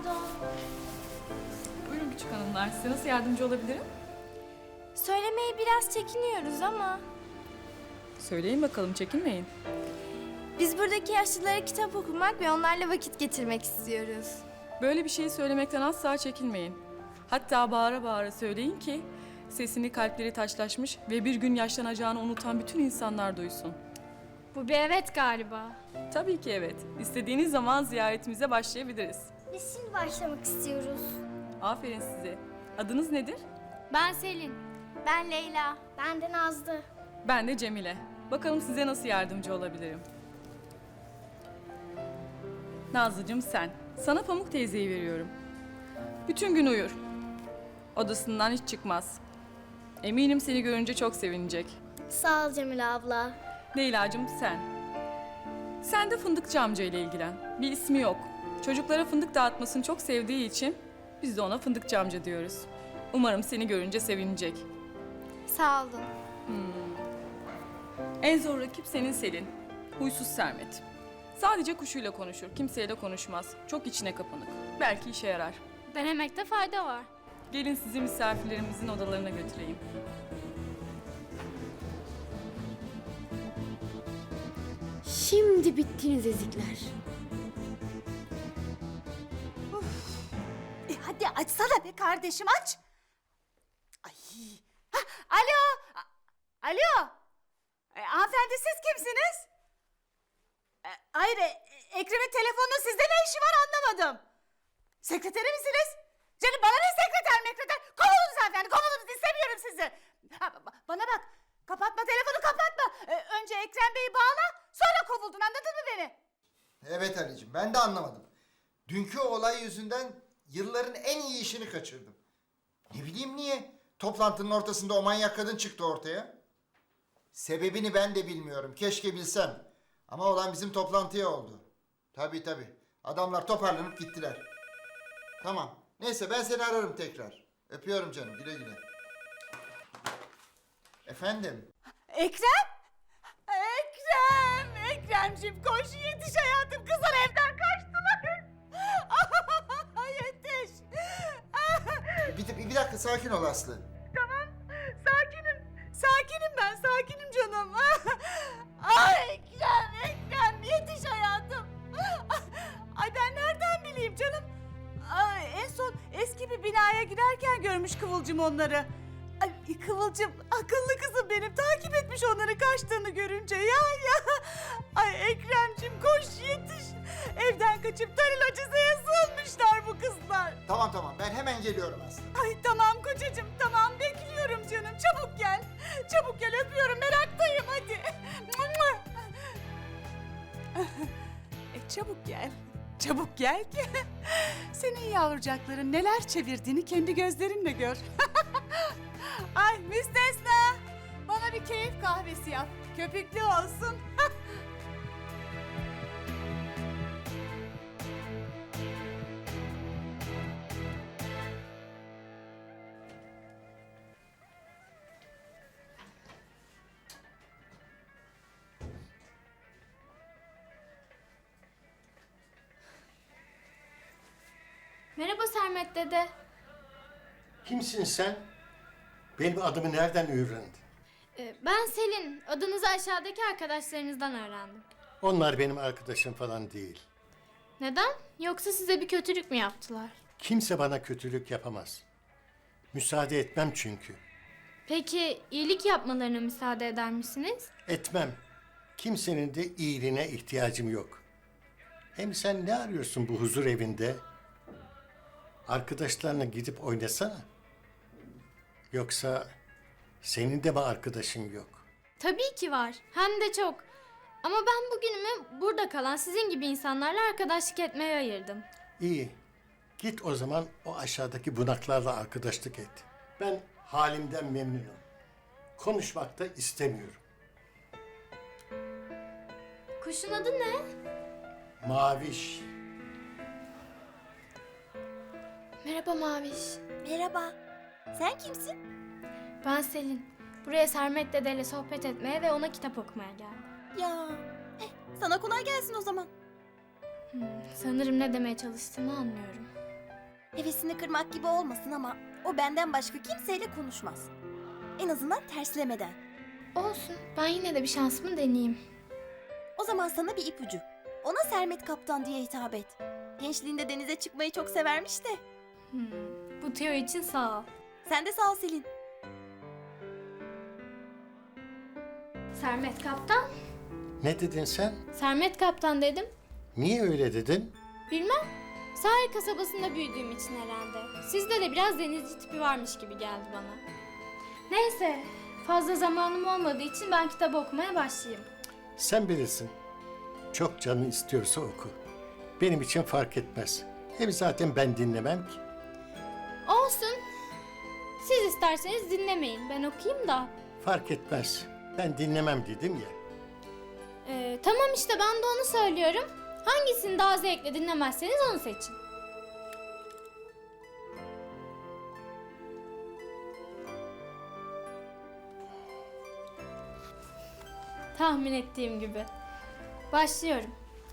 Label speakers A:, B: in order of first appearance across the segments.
A: Pardon.
B: Buyurun küçük hanımlar, size nasıl yardımcı olabilirim?
A: Söylemeye biraz çekiniyoruz ama
B: Söyleyin bakalım, çekinmeyin.
A: biz buradaki yaşlılara kitap okumak ve onlarla vakit geçirmek istiyoruz.
B: Böyle bir şeyi söylemekten asla çekinmeyin. Hatta bağıra bağıra söyleyin ki sesini kalpleri taşlaşmış ve bir gün yaşlanacağını unutan bütün insanlar duysun.
A: Bu bir evet galiba.
B: Tabii ki evet. İstediğiniz zaman ziyaretimize başlayabiliriz.
C: Biz şimdi başlamak istiyoruz.
B: Aferin size. Adınız nedir?
A: Ben Selin.
C: Ben Leyla. Ben de Nazlı.
B: Ben de Cemile. Bakalım size nasıl yardımcı olabilirim? Nazlıcığım sen. Sana Pamuk teyzeyi veriyorum. Bütün gün uyur. Odasından hiç çıkmaz. Eminim seni görünce çok sevinecek.
C: Sağ ol Cemile abla.
B: Leyla'cığım sen. Sen de Fındıkçı amca ile ilgilen. Bir ismi yok. Çocuklara fındık dağıtmasını çok sevdiği için biz de ona Fındıkçı amca diyoruz. Umarım seni görünce sevinecek.
A: Sağ olun.
B: En zor rakip senin Selin. Huysuz Sermet. Sadece kuşuyla konuşur, kimseyle konuşmaz. Çok içine kapanık. Belki işe yarar.
A: Denemekte fayda var.
B: Gelin sizi misafirlerimizin odalarına götüreyim.
D: Şimdi bittiniz ezikler.
E: Hadi açsana be kardeşim, aç. Ay. Hah, alo. Alo. Hanımefendi siz kimsiniz? Hayır, Ekrem'in telefonunun sizde ne işi var anlamadım. Sekreteri misiniz? Canım bana ne sekreter? Kovulunuz hanımefendi, kovulunuz, istemiyorum sizi. Bana bak, kapatma telefonu, kapatma. Önce Ekrem Bey'i bağla, sonra kovuldun, anladın mı beni?
F: Evet Ali'cim, ben de anlamadım. Dünkü olay yüzünden yılların en iyi işini kaçırdım. Ne bileyim niye? Toplantının ortasında o manyak kadın çıktı ortaya. Sebebini ben de bilmiyorum. Keşke bilsem. Ama olan bizim toplantıya oldu. Tabii tabii. Adamlar toparlanıp gittiler. Tamam. Neyse ben seni ararım tekrar. Öpüyorum canım. Güle güle. Efendim?
E: Ekrem? Ekremciğim koş yetiş hayatım, kızlar evden kaçtılar. Yetiş.
F: Bir dakika sakin ol Aslı.
E: Tamam, sakinim canım. Ekrem yetiş hayatım. Ay ben nereden bileyim canım. En son eski bir binaya girerken görmüş Kıvılcım onları. Ay Kıvılcım akıllı kızım benim, takip etmiş onları kaçtığını görünce ya. Ay Ekremciğim koş yetiş. Evden kaçıp Tarılacıza'ya sığınmışlar bu kızlar.
F: Tamam ben hemen geliyorum Aslı.
E: Ay tamam kocacığım, tamam bekliyorum canım, çabuk gel. Çabuk gel, öpüyorum, meraktayım hadi. Çabuk gel ki senin yavrucakların neler çevirdiğini kendi gözlerinle gör. Ay müstesna, bana bir keyif kahvesi yap, köpüklü olsun.
A: Merhaba Sermet dede.
G: Kimsin sen? Benim adımı nereden öğrendin?
A: Ben Selin. Adınızı aşağıdaki arkadaşlarınızdan öğrendim.
G: Onlar benim arkadaşım falan değil.
A: Neden? Yoksa size bir kötülük mü yaptılar?
G: Kimse bana kötülük yapamaz. Müsaade etmem çünkü.
A: Peki iyilik yapmalarına müsaade eder misiniz?
G: Etmem. Kimsenin de iyiliğine ihtiyacım yok. Hem sen ne arıyorsun bu huzur evinde? Arkadaşlarına gidip oynasana. Yoksa senin de mi arkadaşın yok?
A: Tabii ki var. Hem de çok. Ama ben bugünümü burada kalan sizin gibi insanlarla arkadaşlık etmeye ayırdım.
G: İyi. Git o zaman o aşağıdaki bunaklarla arkadaşlık et. Ben halimden memnunum. Konuşmak da istemiyorum.
A: Kuşun adı ne?
G: Maviş.
A: Merhaba Maviş.
C: Merhaba. Sen kimsin?
A: Ben Selin. Buraya Sermet dedeyle sohbet etmeye ve ona kitap okumaya geldim.
C: Ya. Sana kolay gelsin o zaman.
A: Sanırım ne demeye çalıştığını anlıyorum.
C: Hevesini kırmak gibi olmasın ama o benden başka kimseyle konuşmaz. En azından terslemeden.
A: Olsun. Ben yine de bir şansımı deneyeyim.
C: O zaman sana bir ipucu. Ona Sermet Kaptan diye hitap et. Gençliğinde denize çıkmayı çok severmiş de.
A: Bu tüyo için sağ ol.
C: Sen de sağ ol Selin.
A: Sermet Kaptan.
G: Ne dedin sen?
A: Sermet Kaptan dedim.
G: Niye öyle dedin?
A: Bilmem. Sahil kasabasında büyüdüğüm için herhalde. Sizde de biraz denizci tipi varmış gibi geldi bana. Neyse. Fazla zamanım olmadığı için ben kitap okumaya başlayayım.
G: Sen bilirsin. Çok canın istiyorsa oku. Benim için fark etmez. Hem zaten ben dinlemem ki.
A: Olsun. Siz isterseniz dinlemeyin. Ben okuyayım da.
G: Fark etmez. Ben dinlemem dedim ya.
A: Tamam işte ben de onu söylüyorum. Hangisini daha zevkle dinlemezseniz onu seçin. Tahmin ettiğim gibi. Başlıyorum.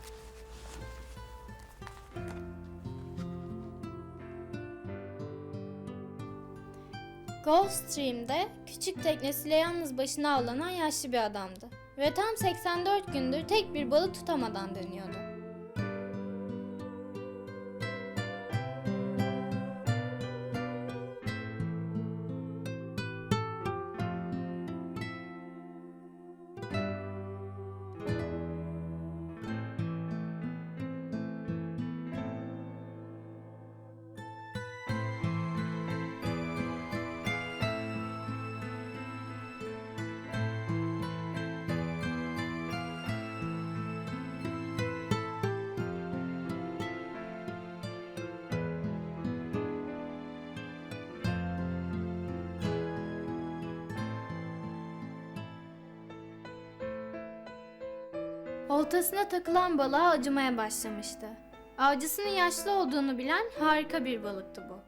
A: Gulfstream'de küçük teknesiyle yalnız başına avlanan yaşlı bir adamdı. Ve tam 84 gündür tek bir balık tutamadan dönüyordu. Oltasına takılan balığa acımaya başlamıştı. Avcısının yaşlı olduğunu bilen harika bir balıktı bu.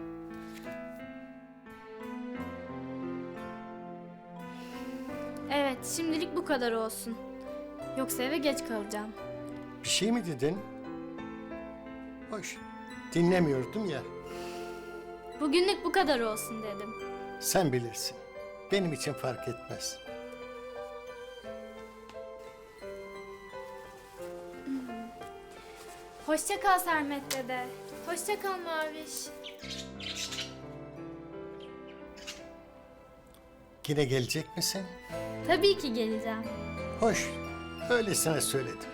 A: Evet, şimdilik bu kadar olsun. Yoksa eve geç kalacağım.
G: Bir şey mi dedin? Hoş. Dinlemiyordum ya.
A: Bugünlük bu kadar olsun dedim.
G: Sen bilirsin. Benim için fark etmez.
A: Hoşça kal Sermet dede. Hoşça kal Maviş.
G: Yine gelecek misin?
A: Tabii ki geleceğim.
G: Hoş. Öylesine söyledim.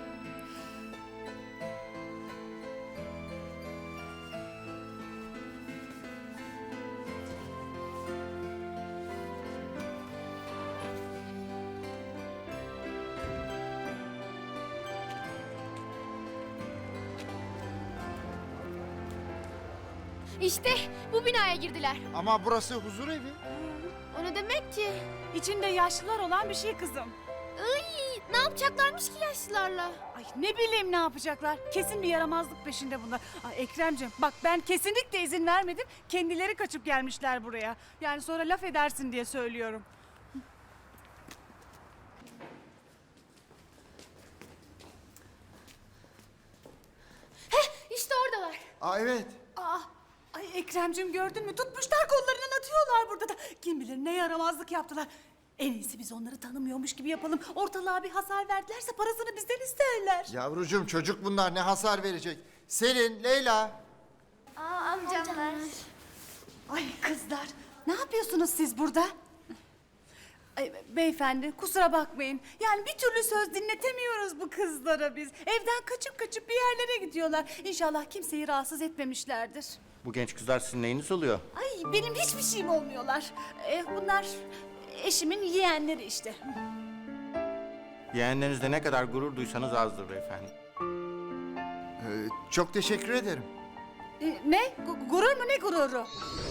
D: İşte bu binaya girdiler.
F: Ama burası huzur evi.
D: O ne demek ki?
E: İçinde yaşlılar olan bir şey kızım.
D: Ne yapacaklarmış ki yaşlılarla?
E: Ay ne bileyim ne yapacaklar. Kesin bir yaramazlık peşinde bunlar. Ay Ekremciğim bak ben kesinlikle izin vermedim. Kendileri kaçıp gelmişler buraya. Yani sonra laf edersin diye söylüyorum.
D: İşte oradalar.
F: Aa evet.
E: Ay Ekremciğim gördün mü? Tutmuşlar kollarından atıyorlar burada da. Kim bilir ne yaramazlık yaptılar. En iyisi biz onları tanımıyormuş gibi yapalım. Ortalığa bir hasar verdilerse parasını bizden isterler.
F: Yavrucuğum çocuk bunlar ne hasar verecek? Selin, Leyla.
C: Amcamlar.
E: Ay kızlar ne yapıyorsunuz siz burada? Ay, beyefendi kusura bakmayın. Yani bir türlü söz dinletemiyoruz bu kızlara biz. Evden kaçıp kaçıp bir yerlere gidiyorlar. İnşallah kimseyi rahatsız etmemişlerdir.
H: Bu genç kızlar sizin neyiniz oluyor?
E: Ay benim hiçbir şeyim olmuyorlar. Bunlar eşimin yeğenleri işte.
H: Yeğenlerinizle ne kadar gurur duysanız azdır beyefendi.
F: Çok teşekkür ederim.
E: Ne? Gurur mu ne gururu?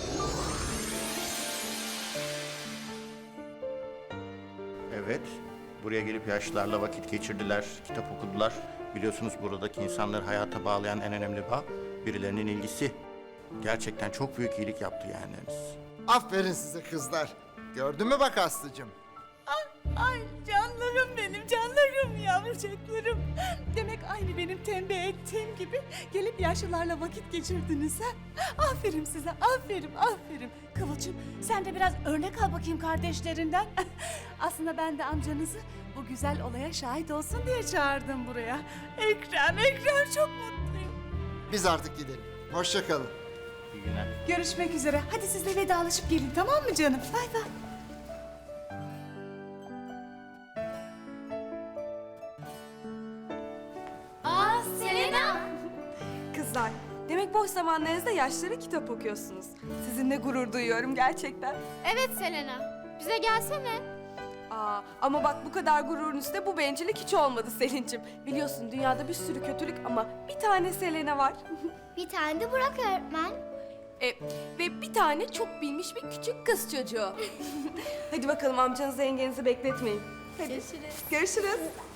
H: Evet, buraya gelip yaşlılarla vakit geçirdiler, kitap okudular. Biliyorsunuz buradaki insanları hayata bağlayan en önemli bağ birilerinin ilgisi. Gerçekten çok büyük iyilik yaptı yeğenleriniz.
F: Aferin size kızlar. Gördün mü bak Aslı'cığım?
E: Ay canlarım benim, canlarım yavrucaklarım. Demek aynı benim tembih ettiğim gibi gelip yaşlılarla vakit geçirdiniz ha? Aferin size, aferin, aferin. Kıvılcım sen de biraz örnek al bakayım kardeşlerinden. Aslında ben de amcanızı bu güzel olaya şahit olsun diye çağırdım buraya. Ekrem çok mutluyum.
F: Biz artık gidelim. Hoşça kalın.
H: İyi günler.
E: Görüşmek üzere. Hadi siz de vedalaşıp gelin, tamam mı canım? Bay bay.
A: Aa Selena!
I: Kızlar, demek boş zamanlarınızda yaşlara kitap okuyorsunuz. Sizinle gurur duyuyorum gerçekten.
D: Evet Selena. Bize gelsene.
I: Ama bak bu kadar gururun üstüne bu bencillik hiç olmadı Selin'cim. Biliyorsun dünyada bir sürü kötülük ama bir tane Selena var.
D: Bir tane de Burak öğretmen.
I: Ve bir tane çok bilmiş bir küçük kız çocuğu. Hadi bakalım amcanızı yengenizi bekletmeyin. Hadi. Görüşürüz.